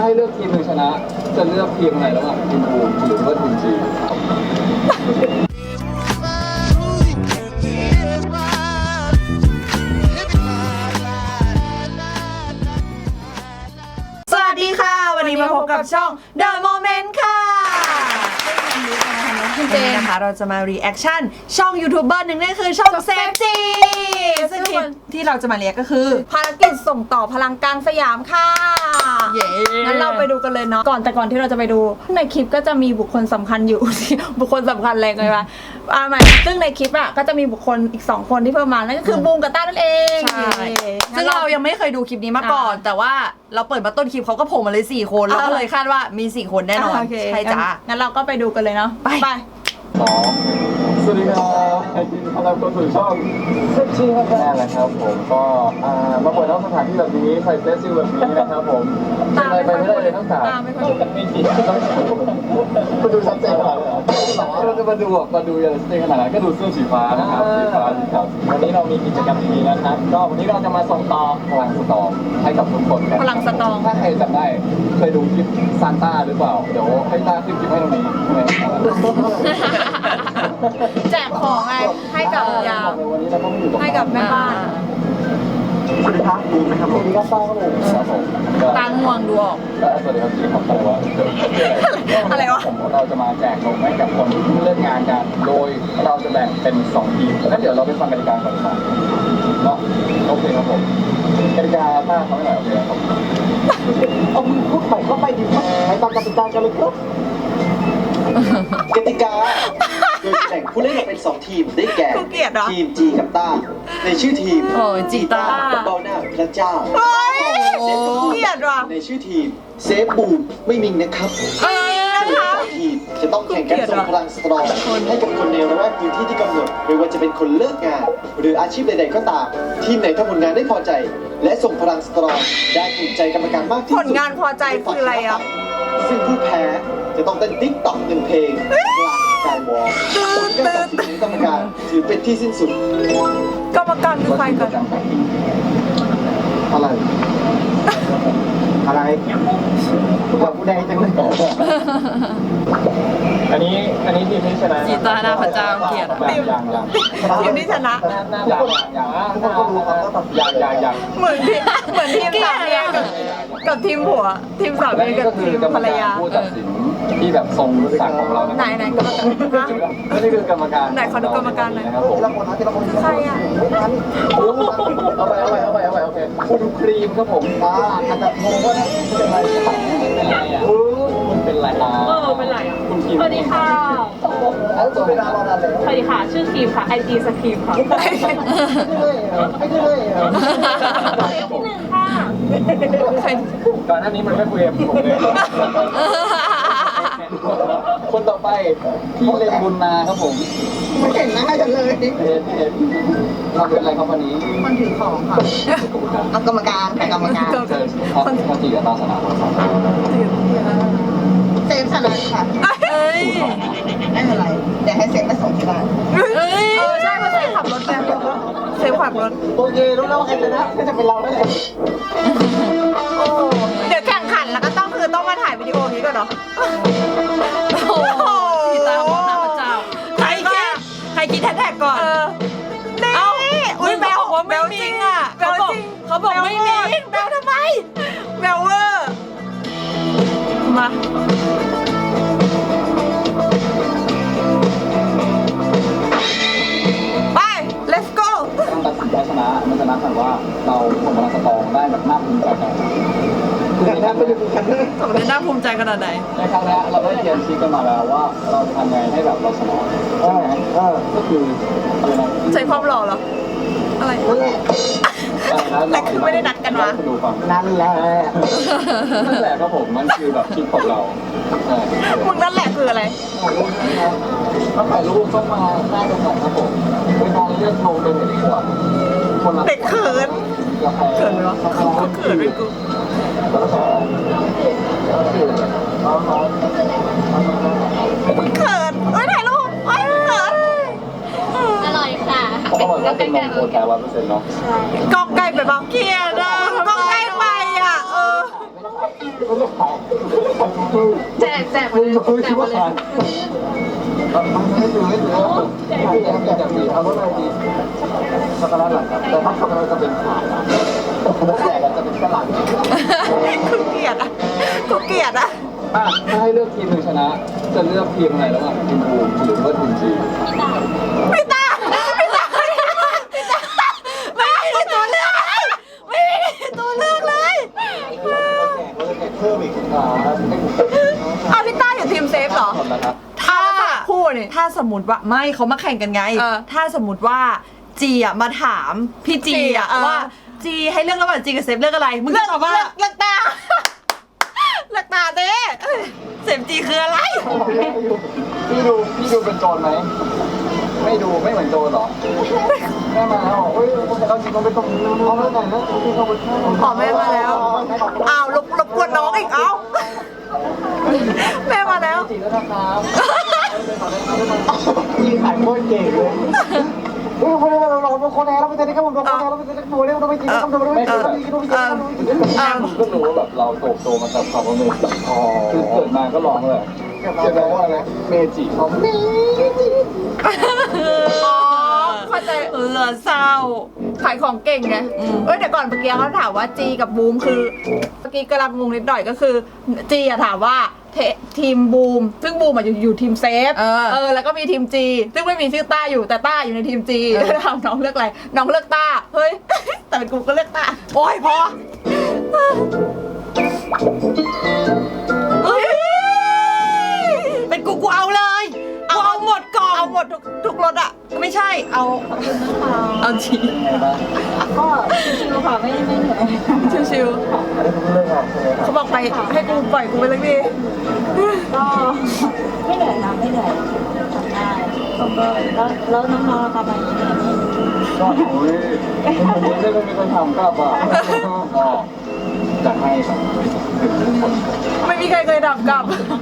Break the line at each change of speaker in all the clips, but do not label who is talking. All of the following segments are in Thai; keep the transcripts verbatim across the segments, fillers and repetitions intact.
ให้เลือกทีมหนึ่งชนะจะเลือกทีมไหนระหว่างทีมบูมหรือว่าทีมจี
สวัสดีค่ะวันนี้มาพบกับช่อง The Moment ค่ะคุณเจนนะคะเราจะมารีแอคชั่นช่องยูทูบเบอร์หนึ่งนั่นคือช่องเซฟจีซึ่งคลิปที่เราจะมาเรียกก็คือ
ภารกิจส่งต่อพลังกลางสยามค่ะ
เย้
งั้นเราไปดูกันเลยเนาะก่อนแต่ก่อนที่เราจะไปดูในคลิปก็จะมีบุคคลสำคัญอยู่ บุคคลสำคัญอะไรกันวะอ่าใหม่ซึ่งในคลิปอ่ะก็จะมีบุคคลอีกสองคนที่เพิ่มมานั่นก็คือบูมกับต้านั่นเอง
ใช่ซึ่งเรายังไม่เคยดูคลิปนี้มาก่อนแต่ว่าเราเปิดมาต้นคลิปเขาก็โผล่มาเลยสี่คนเราก็เลยคาดว่ามีสี่คนแน่นอนใช่จ้า
งั้นเราก็ไปดูกันเลยเนาะไปไป
สองสวัสดีครับยินดีต้อนรับเข้าสู่ช่องเซฟชิลครับนั่นแหละครับผมก็มาเปิดนอกสถานที่แบบนี้ใส่เซฟชิลแบบนี้นะครับผมเป็นอะไรไปไม่ได้เลยทั้งสามไม่ผิดต้องมาดูชัดเจนขนาดนั้นเราจะมาดูมาดูอย่างชัดเจนขนาดนั้นก็ดูเสื้อสีฟ้านะครับสีฟ้าสีขาววันนี้เรามีกิจกรรมดีๆนะครับก็วันนี้เราจะมาส่งต่อพลังสตองให้กับทุกคนกัน
พลังสตอง
ถ้าใครจำได้เคยดูคลิปซานต้าหรือเปล่าเดี๋ยวให้ต้าขึ้นคลิปให้ตรงนี้
แจกของไงให้กับยามให้กับแม่บ้าน
สวัสดีครับดูไหมครับสวัสดีครับต้าครับผมครับผม
ตาง่วงดูออก
สวัสดีครับพี่ครับอะไรวะ
อะไรวะ
ผมเราจะมาแจกนมให้กับคนที่เพิ่งเลิกงานกันโดยเราจะแบ่งเป็นสองทีมงั้นเดี๋ยวเราไปฟังกติกาก่อนครับเนาะโอเคครับผมกติกาถ้าเขาไม่หน่อยโอเคครับเอามึงพูดไปก็ไปดีไปตามกติกากันเลยครับ
กติกาโดยแบ่งผู้เล่นออกเป็นสองทีมได้แก่ทีมจีกับต้าในชื่อทีม
จีต้า
กับเบาหน้าพระเจ้า
เกลียดว่ะ
ในชื่อทีมเซฟบูมไม่มิงนะครับสองทีมจะต้องแข่งกันส่งพลังสตรองให้กับคนในระแวกพื้นที่ที่กำหนดไม่ว่าจะเป็นคนเลิกงานหรืออาชีพใดๆก็ตามทีมไหนทำผลงานได้พอใจและส่งพลังสตรองได้ถูกใจกรรมการมากที่สุด
ผลงานพอใจคืออะไรอ่ะ
ซึ่งผู้แพ้จะต้องเต้นติ๊กต็อกหนึ่งเพลงกลางการวอล์กผลการตัดสินของกรรมการถือเป็นที่สิ้นสุด
กรรมการคือใครกัน
อะไรอะไรผู้กับผู้ใดจังเลยอันนี้อันนี้ทีมที่ชนะ
จีต้าหน้าพระเจ้าเกียรติ
อย่างอย่างอย่าง
ทีมที่ชนะ
อย่างอย่างทุกคนก็รู้ครับอย่างอย่างอย่าง
เหมือนทีเหมือนทีมสามีกับกับทีมผัวทีมสามีกับทีมภรรยา
ผู้ตัดสินที่แบบทรงศักดิ์ของเรา
ไหนไหนกรรมการ
นี่คือกรรมการ
ไหนขอดูกรรมการหน่อย
นะครับผม
ใครอ่ะ
เอาไปเอาไปเอาไปเอาไปโอเคคุณครีมครับผมอ่าอาจจะงงว่าเป็นอะไรเป็นอะไรอ่ะคุณเป็นอะไรอ่ะ
เออเป็นไรอ่ะ
คุณครีม
สวัสดีค่ะ
แล้วตัวเวลารอนานเลย
สวัสดีค่ะชื่อครีมค่ะไอจีสครีมค่ะ
ไม่เลยไม่เลย
ที่หนึ่งค่ะ
ก่อนหน้านี้มันไม่คุยกับผมเลยคนต่อไปพี่เลนบุญนาครับผม
ไม่เห็นหน้ากันเลย
เอ็นเอ็นทำเป็นอะไรครับวันนี้
มันถือของค่ะเอากรรมการใครกรรมการ
คนคนจีกับตาสนา
เซฟชนะค่ะไม่เป็นไรเดี๋ยวให้เซฟไปส่งที่บ้านเออใช่เพราะเซฟขับรถแบบเซฟขับรถ
โอเครู้แล้วว่าใครชนะก็จะเป็นเราได้เลย
เดี๋ยวแข่งขันแล้วก็ต้องคือต้องมาถ่ายวิดีโอนี้ก่อนเนาะ
โอ้โหจีต้ามองหน้าพระเจ้าใครคิดใครคิดแท็กก่อน
เอ้าอุ้ยแบล
ว่าไม่มิงอ่ะเขาบอกเขาบอกไม่มิงแบลทำไม
แบลเวอร์มาไป let's go
ต้องตัดสินใจชนะมันชนะกันว่าเราส่งพลังสตองได้แบบน่าภูมิใจกันคือในครั้งนี้
สมเด็จน่าภูมิใจขนาดไหน
ในครั้งนี้เราได้เรียนชี้กันมาแล้วว่าเราจะทำไงให้แบบเราชนะใช่ไหมก็คืออะไรนะ
ใช้ความหล่อเหรออะไรนั่นแหละแต่คือไม่ได้นัดกันวะ
นั่นแหละนั่นแหละครับผมมันคือแบบคิดของเรา
มึงนั่นแหละคืออะไร
ถ้าถ่ายรูปต้องมาหน้าตรงไหนครับผมเวลาเลือกโทรเป็นเด็กขวดคนละ
เด็กเขินเขินวะเขินเป็นกูเขินเอ้ยถ่ายรูปเอ้ยเขิน
อร่อยค่ะ
เขาบอกว่าเป็นนมโคแท้ร้อยเปอร์เซ็นต์เนาะ
กองไก่ไปบ้างเกียร์นะกองไก่ไปอ่ะเออ
ไม่ได้ขาย
แจกแจกไปเลย
ไม่
แจ
คิ
ก
ด
ไป
ว่า
เลย
ขายไม่ถือไม่ถือแจกแจกแจกดีเอารถอะไรดีช็อกโกแลตหลังครับแต่ถ้าช็อกโกแลตจะเป็นขายนะแจกจะเป็นกระหลัง
กูเกลียดอ่ะกูเกลียดอ่ะ
อ่ะถ้าให้เลือกทีมหนึ่งชนะ จะเลือกทีมอะไรระหว่างทีมบูมหรือว่าทีมจี
พี่ตาพี่ตาพี่ตาไม่มีตัวเลือกเลยไม่มีตัวเลือกเลย
เพิ่มอีกอ่าให้ผม
อ้าวพี่ตาอยู่ทีมเซฟเหรอ
หมดแล้วครับ
ถ้า
คู่นี่
ถ้าสมมติว่าไม่เขามาแข่งกันไง
เออ
ถ้าสมมติว่าจีอ่ะมาถามพี่จีอ่ะ
เออ
ว่าจีให้เลือกระหว่างจีกับเซฟเลือกอะไร มึง
เลื
จะ
อก
ตอบว่า
เลือกเลือกตาเลือกตาเด้
เซฟจีคืออะไร
พี่ดูพี่ดูเป็นโจรไหมไม่ดูไม่เหมือนโจรหรอแม่มาแล้วเฮ้ยเราจริงเราไม่ต้องเอาแล้วไหนนะพี่เขาไป
ขอแม่มาแล้วอ้าวรบรบกวนน้องอีกเอ้าแม่มาแล้ว
จริงแล้วนะครับยิงขายโคตรเก่งเลยเฮ้ยคนนี้เราเราเป็นคนแอร์เราเป็นเด็กผมเราเป็นแอร์เราเป็นเด็กโมเดลเราไม่จริงเราไม่จริงเราไม่จริงเราไม่จริงเราไม่จริงก็รู้ว่าแบบเราโตโตมากับความเป็นเมจิคือเกิดมาก็ร้องเลยเกิดมาว่าอะไรเมจิเขาเมจิ
อ๋อเข้าใจ
เออเศร้า
ขายของเก่งไง
อืม
เอ้ยแต่ก่อนเมื่อกี้เขาถามว่าจีกับบูมคือเมื่อกี้กำลังงงนิดหน่อยก็คือจีอะถามว่าเททีมบูมซึ่งบูมอะอยู่อยู่ทีมเซฟ
เออ
เออแล้วก็มีทีมจีซึ่งไม่มีชื่อต้าอยู่แต่ต้าอยู่ในทีมจี
เออ
แล้วถามน้องเลือกอะไรน้องเลือกต้าเฮ้ย แต่เป็นกูก็เลือกต้า
โอ้ยพอเฮ้ยเป็นกูกูเอาเลยกูเอาหมดกล่อง
เอาหมดทุกทุกรถอะ
ไม่ใช่เอาเอาจี
ไงบ้าง
ก็ชิวๆค่ะไม่ไม่เหนื่อย
ชิว
อันนี้คุณเลิกงานใช่ไหม
ๆ
ครับ
เขาบอกไปให้กูปล่อยกูไปเลยดิ
ก็ไม่เหนื่อยนะไม่เหนื่อยทำได้
ทำได้
แล้วแล้วน้องๆนะคะมาเหนื่อยไหม
ก็โอ้ยคนนี้ได้ไม่มีคนทำก็ป่ะก็จะให้แบบ
ไม่มีใครเคยดับกลับ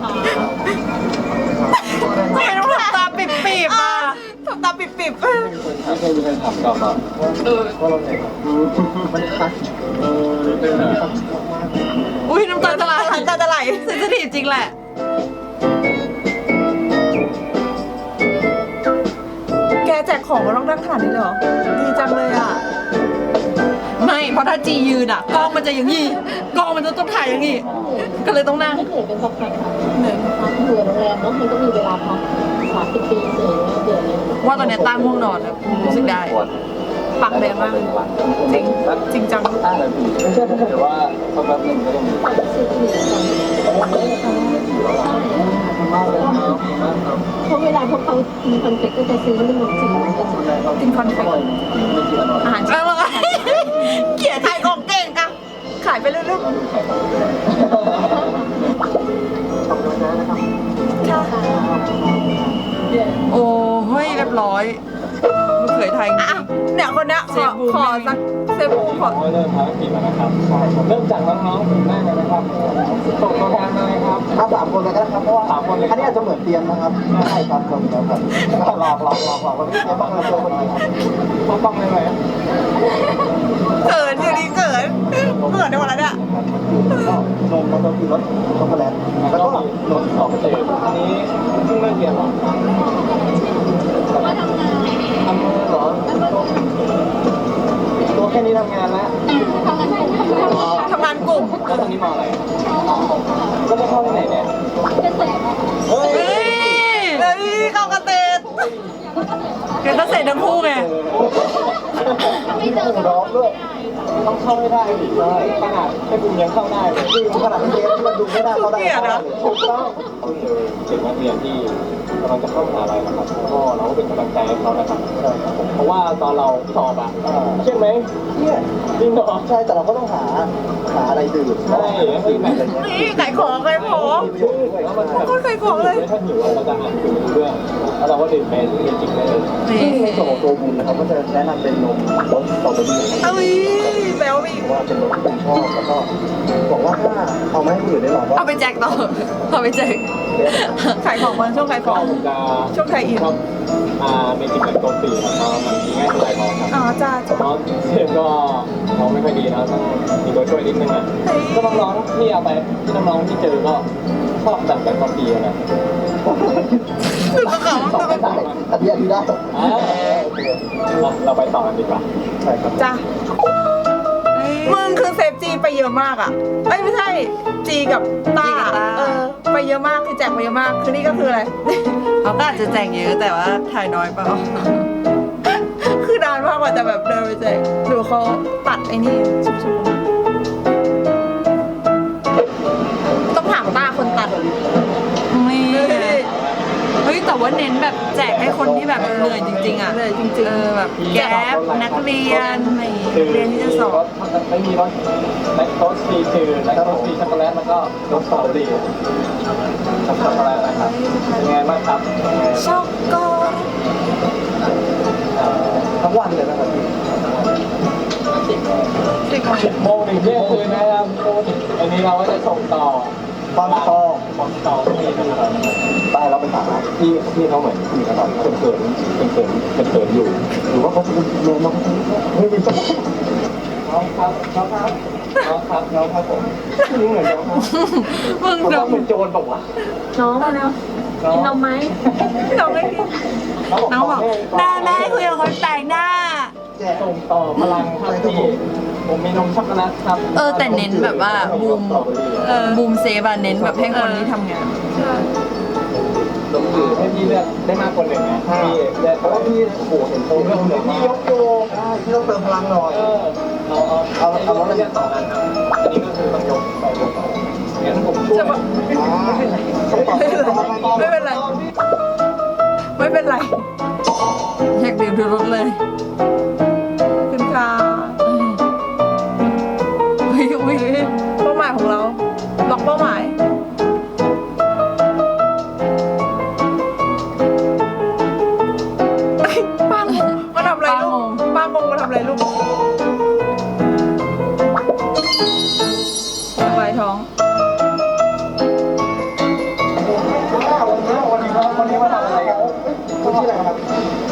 ทำไมต้องทำตาปิบๆอ่ะ
ทำตาปิบ
ไม่เคยมีใครทำกับอ่ะเออเพราะเราเนี่ยมันคัดเออเป็นไง
อุ้ยน้ำตาจะไหล
ๆน้ำตาจะไหล
เซนซิทีฟจริงแหละ
แกแจกของมาต้องนั่งขนาดนี้เลยเหรอ ดีจังเลยอ่ะ
ไม่เพราะถ้าจียืนอ่ะกล้องมันจะอย่างงี้กล้องมันจะต้องถ่ายอย่างงี้ ก็เลยต้องนั่ง
ไม่เหนื่อยเป็นสักพักค่ะเหนื่อยพักเบื่อโรงแรมแล้วมันก็มีเวลาพักสามสิบปีเหนื่อยเบื่อเลย
ว่าตอนเนี้ยตั้งง่วงนอนแล้วรู้สึกได้
ปากแดงมากเลยจริง จริงจัง
ห้านาทีไม่ใช่แต่ว่าสักแป๊บนึงก็ต้องมี
ซื้อที่เหลือกันไม่ได้ค่ะใช่
มากเลยครับดีมากครับ
เพราะเวลาพวกเขากินคอนเฟกก็จะซื้อขนมจีนมาจะซื้อ
กินคอนเฟกต์
ไม่กินอร่อย
อาหาร
เอาละ เกลียด
ขายของเก่งอะขายไปเรื่อย
เราดูไข่ของเลยขอบคุณนะครับ
ๆค่ะ
โอ้เฮ้ยเรียบร้อยลูกเขยไทยจริ
อ่ะ
ง
เนี่ยคนเนี้ยข
เซ
อ
ฟบูม
ขอสักเซฟบูมขอ
เริ่มภารกิจแล้วนะครับเริ่มจากน้องๆผมได้เลยนะครับส่งตัวแทนมาเลยครับเอาสามคนเลยก็ได้ครับเพราะว่าสามคนเลยอันนี้อาจจะเหมือนเตรียมนะครับใช่ครับคนเดียวกันหลอกหลอกหลอกหลอกวันนี้เตรียมมาเจอคนนี้ครับต้องต้องเลยไหม
เขินอยู่ดีเขินเขินในวันนั้นอะ
ก็นมก็คือรสช็อกโกแลตแล้วก็รสสองเตยอันนี้เพิ่งเริ่มเรียนหรอทำงานเหรอตัวแค่นี้ทำงานแล้ว
ทำงานกลุ่ม
แล้วตอนนี้มาอะไรก็จะเข้าที่ไหนเนี่ยเฮ้ย
เฮ้ย
เฮ้ยเข้ากระเตน
เกิดตั้งเสร็จทั้งคู่ไง
ไม่เจอร้องด้วยต้องเข้าให้ได้ดิใช่ขนาดแค่บุญยังเข้าได้เลยจริงขนาดเรียนที่มันดูไม่ได้เข้าได้ถูกต้องเด็กนักเรียนที่กำลังจะเข้ามหาลัยนะครับก็เราก็เป็นกำลังใจให้เขานะครับเพราะว่าตอนเราสอบอ่ะเครียดไหมเครียดจริงเหรอใช่แต่เราก็ต้องหาหาอะไรดื่มใช่ให้แบบ
นี่ขายของขายของ
แล้วมันแบบ
โคตรขายของเลย
ถ้าหิวเราจะอ่านถึงเรื่องแล้วเราก็ดื่มเป็นเมจิกได้เลย
นี่
ในส่วนของตัวบุญนะครับก็จะแนะนำเป็นนมรสสตรอเบอรี่
เอ้ยแบ๊วไปอีก
ว่าเป็นรสที่ผมชอบแล้วก็บอกว่าถ้าเอามาให้คนอื่นได้ลองก็
เอาไปแจกต่อเอาไปแจก
ขายของมันช่วงขายของ
ผมจะ
ช่วงไทยอิน
ชอบอ่าเมจิกแบบตัวปีครับเพราะมันมีง่ายสบายท้องครับ
อ๋อจ้าจ้า
เพราะเสียงก็ท้องไม่ค่อยดีนะต้องมีตัวช่วยนิดนึงอ่ะ
เฮ้ย
ก็น้องๆที่เอาไปที่น้องๆที่เจอก็ชอบแบบแบบตัวปีนะ
ตึกเขา
ต่อ
ตึก
ไป
เขา
ได้อันนี้อันนี้ได้อ่าโอเคเราเราไปต่อกันดีกว่าใช่ครับ
จ้ามึงคือเซฟจีไปเยอะมากอ่ะเอ้ยไม่ใช่จีกับต้าเออไปเยอะมากคือแจกไปเยอะมากคือนี่ก็คืออะไร
เขาก็อาจจะแจกเยอะแต่ว่าถ่ายน้อยเปล่า
คือนานมากกว่าจะแบบเดินไปแจกดูเขาตัดไอ้นี่ชุบๆต้องถามต้าคนตัด
นี่
เฮ้ย
เฮ้ยแต่ว่าเน้นแบบแจกให้คนที่แบบเหนื่อยจริงๆอ่ะ
เหนื่อยจริงๆ
เออแบบแก๊ปนักเรียนไม่เรียนที่จะสอบ
ไม่มีรสแลคโตสฟรีคือแลคโตสฟรีช็อกโกแลตแล้วก็รสสตรอเบอรี่ช็อกโกแลตนะครับเป็นไงบ้างครับ
ช็อกโก
ทั้งวันเลยนะครับพี่
ติด
สิบโมงถึงเที่ยงคืนนะครับอันนี้เราก็จะส่งต่อฟังต่อฟังต่อที่นี่นะครับไปเราไปถามที่ที่เขาเหมือนมีกระดาษเขินเขินเขินเขินเขินอยู่หรือว่าเขาจะเป็นเมนน้องไม่มีสักน้องครับน้องครับน้องครับน้องครับผมนี่เหมือนน้องครับ
มึง
ผม
ดู
ว่าเป็นโจรบอกว่า
น้องมาแล้วกินนมไหม
น้องไม่กิน
น้องบอกแม่แม่คุยกับคนแปลกหน้า
ส่งต่อพลังครับพี่ผมมีนมช็อกโกแลตครับ
เออแต่เน้นแบบว่าบูม
เออ
บูมเซฟอะเน้นแบบให้คนที่ทำงาน
ลงสื่อให้พี่เลือกได้มากกว่าหนึ่งไงพี่เลือกเพราะว่าพี่โอ้โหเห็นโตเรื่องหนึ่งพี่ยกโยพี่ต้องเติมพลังหน่อยเออเอาเอาเอาเอาแล้วเลือกต่อกันครับอันนี้ก็คือต้องยกไปยกต่องั้นผมช่วย
ไม่เป็นไร ไม่เป็นไร
อยากดื่มทุกรสเลย
คุณค่ะ
อุ้ยอุ้ย
เป้าหมายของเราล็อกเป้าหมายเอ้ยปังมาทำอะไรลูกป้างงมาทำอะไรลูกสบายท้อง
วันนี้วันนี้มาทำอะไรครับคุณชื่ออะไรครับ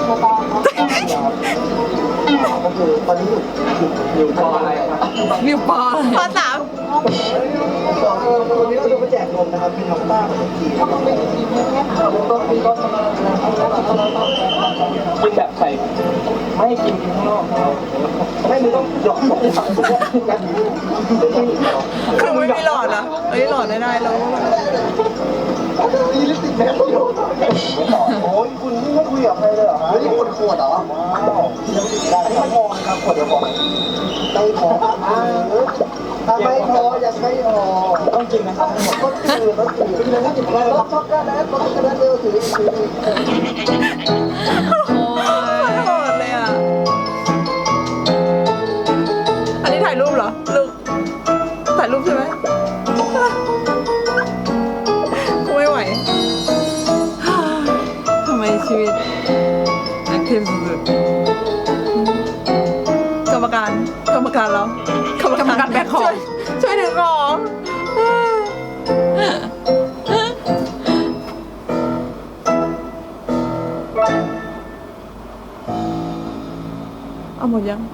ก็คือตอนนี้อยู่อยู่ปออะไรครับ
นิวปอน
ข้อสาม
วันนี้เราจะไปแจกนมนะครับเป็นน้องต้ากับน้องกีต้องเป็นกีไม่ใช่ค่ะต้องกินก็กินแบบใส่ไม่กินกินข้างนอกไม่มึงต้องยกหมดเลยครับ
คือไม่มีหลอดเหรอเอ้ยหลอดได้ได้แล้ว
มีลิปสติกแมสอยู่โอ้ยคุณนี่ไม่คุยกับใครเลยเหรอฮะนี่คนขวดเหรอว้าวได้ไม่พอครับขวดเดียวพอไม่พอถ้าไม่พอยังไม่พอต้องกินนะครับก็คือต้องกินกินแล้วกินแล้วรับช็อกโกแลตช็อกโกแลตเร็วถือถือ
โอ้ยโหดเลยอ่ะ อันนี้ถ่ายรูปเหรอ ลูก ถ่ายรูปใช่ไหมกูไม่ไหว
ทำไมชีวิตแอคทีฟสุด
กรรมการ กรรมการเรา
กรรมการแบกของ
ช่วยช่วยถือของ เอาหมดยัง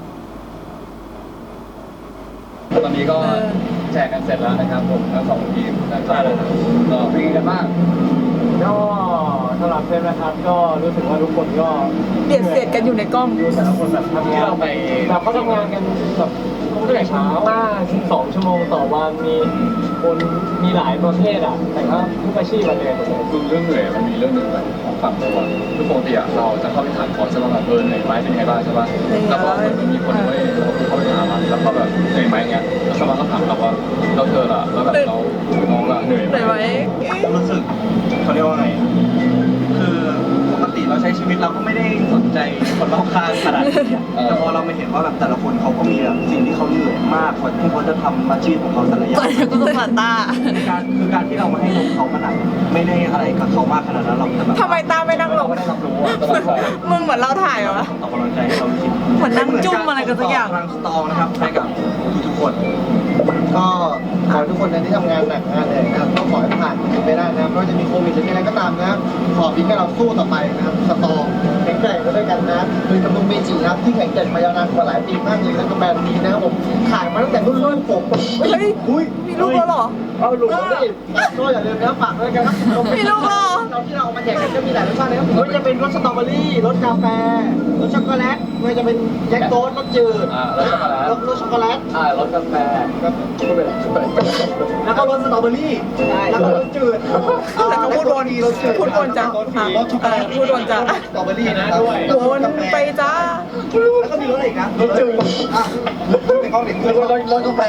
ตอนนี้ก็แจกกันเสร็จแล้วนะครับผมทั้งสองทีมแล้วก็ก็เป็นกันบ้างก็สำหรับเพื่อนนะครับก็รู้สึกว่าทุกคนก็
เบียดเสียดกันอยู่ในกล้อง
ดูแต่ละคนแบบทำงานไปแบบเขาทำงานกันแบบตั้งแต่เช้ามากสองชั่วโมงต่อวันมีคนมีหลายประเภทอ่ะแต่ก็ทุกอาชีพเลยหมดเลย
คือเรื่องเหนื่อยมันมีเรื่องหนึ่งแบบของฝั่งตัวคือปกติอะเราจะเข้าไปถามคอร์สใช่ป่ะแบบเออเหนื่อยไหมเป็นยังไงบ้างใช่ป่ะแล้วพอมันมีคนเว้ยเราเข้าไปถามมันแล้วก็แบบเหนื่อยไหมเงี้ยแล้วสมาก็ถามเราว่าเราเธอละแล้วแบบเราน้องละเหนื่อยไหม
เหนื่อยไหม
รู้สึกเขาเรียกว่าไง คือปกติเราใช้ช้ชีวิตเราก็ไม่ได้สนใจคนรอบข้างขนาดนี้อะแต่พอเรามาเห็นว่าแบบแต่ละคนเขาก็มีแบบสิ่งที่เขาเหนื่อยมากกว่าที่เขาจะทำอาชีพของเขาแต่ละอย่าง
ตอนนี้ก็ต้องมาตา
คือการคือการที่เรามาให้นมเขามันอาจจะไม่ได้อะไรกับเขามากขนาดนั้นหรอกแต่แบบ
ทำไมตาไม่นั่งล
เรา
ง
ก็ได้รับรู้ว่าตลอดไป
มึงเหมือนเราถ่ายเหรอวะ
ออกกำลังใจให้เราจริง
เหมือนนั่งจุ้มอะไรกันสักอย่าง
พลังสตรองนะครับให้กับทุกๆคน
ก็ขอให้ทุกคนนะที่ทำงานหนักงานเหนื่อยนะครับก็ขอให้ผ่านไปได้นะครับไม่ว่าจะมีโควิดหรืออะไรก็ตามนะครับขอเพียงแค่เราสู้ต่อไปนะครับสตรองแข็งแกร่งไปด้วยกันนะโดยกำลังเมจินะครับที่แข็งแกร่งมายาวนานกว่าหลายปีมากเลยแล้วก็แบรนด์นี้นะครับผมขายมาตั้งแต่รุ่นรุ่นผม
เฮ้ย
อุ้ย
มีลูกแล้วเหรอ
เอาลูกแล้วดิก็อย่าลืมนะฝากด้วยกันครับ
มีลูกเหรอ
เราที่เราเอามาแจกกันก็มีหลายรสชาตินะครับไม่ว่าจะเป็นรสสตรอเบอรี่รสกาแฟรสช็อกโกแลตไม่ว่าจะเป็นแยกโต๊ดรสจืด
อ่ารสช็อกโกแลต
รสรสช็อกโกแลต
อ่ารสกาแฟก็พูดไปเลยพูดไปเลย
แล้วก็รสสตรอเบอรี่แล้วก็รสจืด
แล้วก็พูดวน
รสจืด
พูดวนจ้ะ
รสช็อกโกแลต
พูดวนจ้ะ
สตรอเบอรี่นะครับ
วนไปจ้า
แล้วก็มีรสอะไรอีกนะรสจืดอ่ะในกล้องเด็กคือรสรสกาแฟ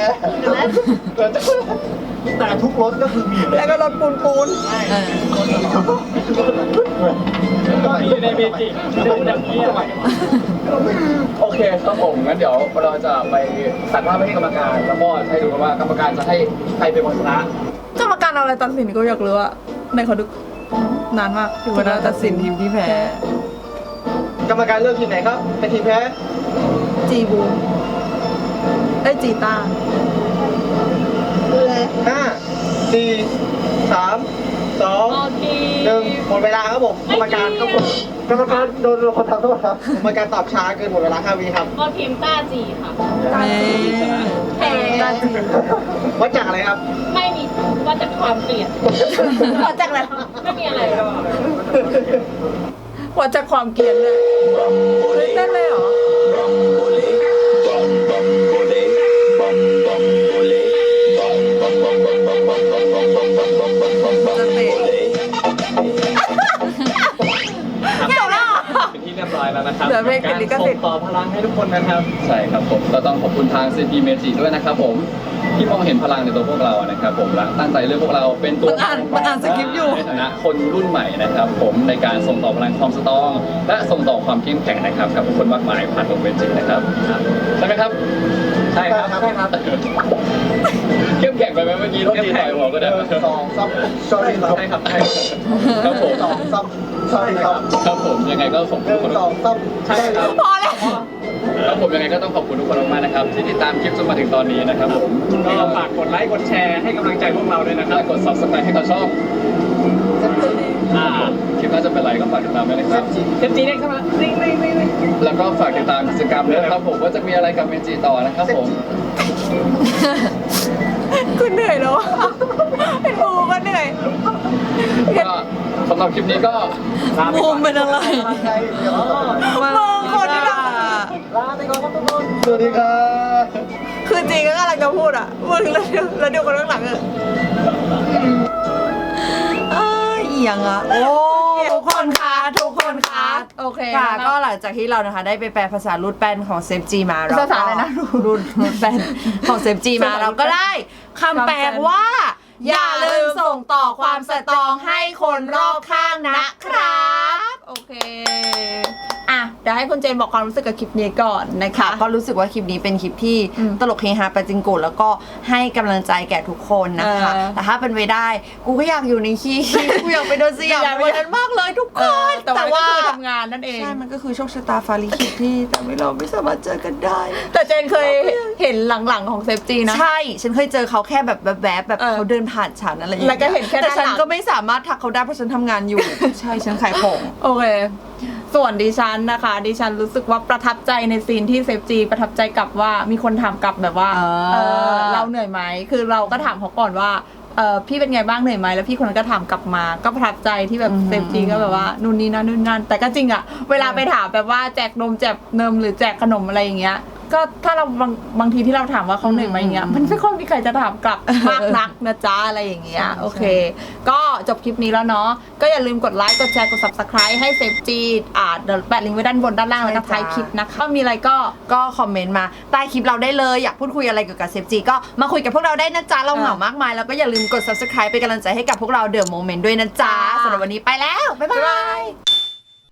แต่ทุกรสก็คือมี
แล้วก็รถปูนปูน
เออ
ก็มีในเมจิดูอย่างนี้ทำไมโอเคครับผมงั้นเดี๋ยวเราจะไปตัดภาพไปให้กรรมการแล้วก็ให้ดูกันว่ากรรมการจะให้ใครเป็นคนชนะ
กรรมการเอาอะไรตัดสินก็อยากรู้อะในขอดูนานมากอยู่
เว
เว
ลา
ลา
ตั
ตั
ด
ด
สิ
สิ
น
น
ทีมที่แพ้
กรรมการเลือกทีมไหนครับเป็นทีมแพ้
จีบูมไอยจีต้า
ห้าสี่สามสอง
โอเค
หนึ่งหมดเวลาครับผมกรรมการครับผมกรรมการโดนคนทำโทษครับกรรมการตอบช้าเกินหมดเวลาห้าวิครับ
ก็ทีมต้าจีค่ะ
ตาจี
แพ้
ตาจี
วัดจากอะไรครับ
ไม่มีว่าจากความเกลียด
วัดจากอะไร
ไม่มีอะไรหรอก
วัดจากความเกลียดเลยเฮ้ยเต้นเลยเหรอ จะเตะ
เป็นที่เรียบร้อยแล้วนะครับ
เหลือเพลงปิดลิขสิทธิ์
ส่งต่อพลังให้ทุกคนนะครับ ใช่ครับผมก็ต้องขอบคุณทาง ซี พี Magic ด้วยนะครับผมที่มองเห็นพลังในตัวพวกเรานะครับผมและตั้งใจเลือกพวกเราเป็นตัว
มันอ่านมันอ่านสคริปต์อยู่
ในฐานะคนรุ่นใหม่นะครับผมในการส่งต่อพลังความสตรอง และส่งต่อความเข้มแข็งนะครับกับผู้คนมากมายผ่านวงเวียนจิตนะครับใช่ไหมครับใช่ครับ
ใช่ครับ
เข้มแข็งไปไหมเมื่อกี้โทษทีต่อยหัวก็ได้
สองซับ sorry ครับ
ใช่ครับใช่ครับผม
สองซับ sorry ครับ
ครับผมยังไงก็ส่ง
ห
ทุ
นึ่
ก
ง
คน
สองซับ
ใช่ครับ
พอแล้ว
ครับผมยังไงก็ต้องขอบคุณทุกคนมากๆนะครับที่ติดตามคลิปจนมาถึงตอนนี้นะครับผมก็ฝากกดไลค์กดแชร์ให้กำลังใจพวกเราด้วยนะครับกด ซับสไครบ์ ให้กับช่องอ่าคลิปน่าจะเป็นไรก็ฝากติดตามด้วยนะครับเจมจีเด็กเข้ามาแล้วก็ฝากติดตามกิจกรรมด้วยนะครับผมว่าจะมีอะไรกับเมจิต่อนะครับผม
กูเหนื่อยแล้วอะเป็นบูก็เหนื่อย
ก็สำหรับคลิปนี้ก็ลาไป
บู
ก่อ
ม
น
เป็นอะไร
มึงคนที่แบบ
ลาไปก่อนครับทุกคนสวัสดีครับ
คือจริงก็กำลังจะพูดอ่ะมึงแล้วดูแล้วดูคนข้างหลังอ่ะ
เอ้ยเอียงอ่ะ โอ้ทุกคนคะทุกคนคะ
โอเค
ค่ะก็หลังจากที่เรานะคะได้ไปแปลภาษารูดแปนของเซฟจีมาเราก็
ภาษาอะไรนะ
รูดรูดแปนของเซฟจีมาเราก็ได้คำแปลว่า อย่าลืมส่งต่อความสตรองให้คนรอบข้างนะครับ
โอเคอ่ะเดี๋ยวให้คุณเจนบอกความรู้สึกกับคลิปนี้ก่อนนะคะ
ค่ะก็รู้สึกว่าคลิปนี้เป็นคลิปที่
อืม
ตลกเฮฮาปาจิงโกะแล้วก็ให้กำลังใจแก่ทุกคนนะคะ
เออ
แต่ถ้าเป็นไปได้ กูก็อยากอยู่ในคีย์ กูอยากไปโดนสยาม
อยากไป
วันนั้นมากเลยทุกค
เออน แต่ว่าก็คือทำงานนั่นเอง
ใช่ มันก็คือโชคชะตาฟาลิขิตที่ทำให้เราไม่สามารถเจอกันได้
แต่เจนเคยเห็นหลังๆของเซฟจีนะ
ใช่ ฉันเคยเจอเขาแค่แบบแบบแบบแบบ
เออ
เขาเดินผ่านฉันอะไรอย่าง
แล้วก็
เงี้ย
เห็นแค่
แต่
ด้าน
ฉัน
หลัง
ก็ไม่สามารถทักเขาได้เพราะฉันทำงานอยู่ ใช่ ฉันขายของ
โอเค ส่วนดิฉันนะคะ ดิฉันรู้สึกว่าประทับใจในซีนที่เซฟจีประทับใจกลับว่ามีคนถามกลับแบบว่า
เออ
เออเราเหนื่อยไหมคือเราก็ถามเขาก่อนว่าเออพี่เป็นไงบ้างเหนื่อยไหมแล้วพี่คนนั้นก็ถามกลับมา ก็ประทับใจที่แบบเซฟจีก็แบบว่านู่นนี่นั่นนู่นนั่นแต่ก็จริงอะเวลาไปถามแบบว่าแจกนมแจกเนมหรือแจกขนมอะไรอย่างเงี้ย ก็ถ้าเราบางบางทีที่เราถามว่าเขาเหนื่อยไหมอย่างเงี้ยมันไม่ค่อยมีใครจะถามกลับมากนักนะจ๊ะอะไรอย่างเงี้ยโอเค ก็จบคลิปนี้แล้วเนาะก็อย่าลืมกดไลค์กดแชร์กด ซับสไครบ์ ให้เซฟจีอ่าเดี๋ยวแปะลิงก์ไว้ด้านบนด้านล่างแล้วก็ท้ายคลิปนะคะก็มีอะไรก็
ก็คอมเมนต์มาใต้คลิปเราได้เลย อยากพูดคุยอะไรเกี่ยวกับเซฟจีก็มาคุยกับพวกเราได้นะจ๊ะ เราเหงามากมาย แล้วก็อย่าลืมกด ซับสไครบ์ เป็นกำลังใจให้กับพวกเราเดอะโมเมนต์ด้วยนะจ๊ะ
จ้า
สำหรับวันนี้ไปแล้ว บ๊ายบาย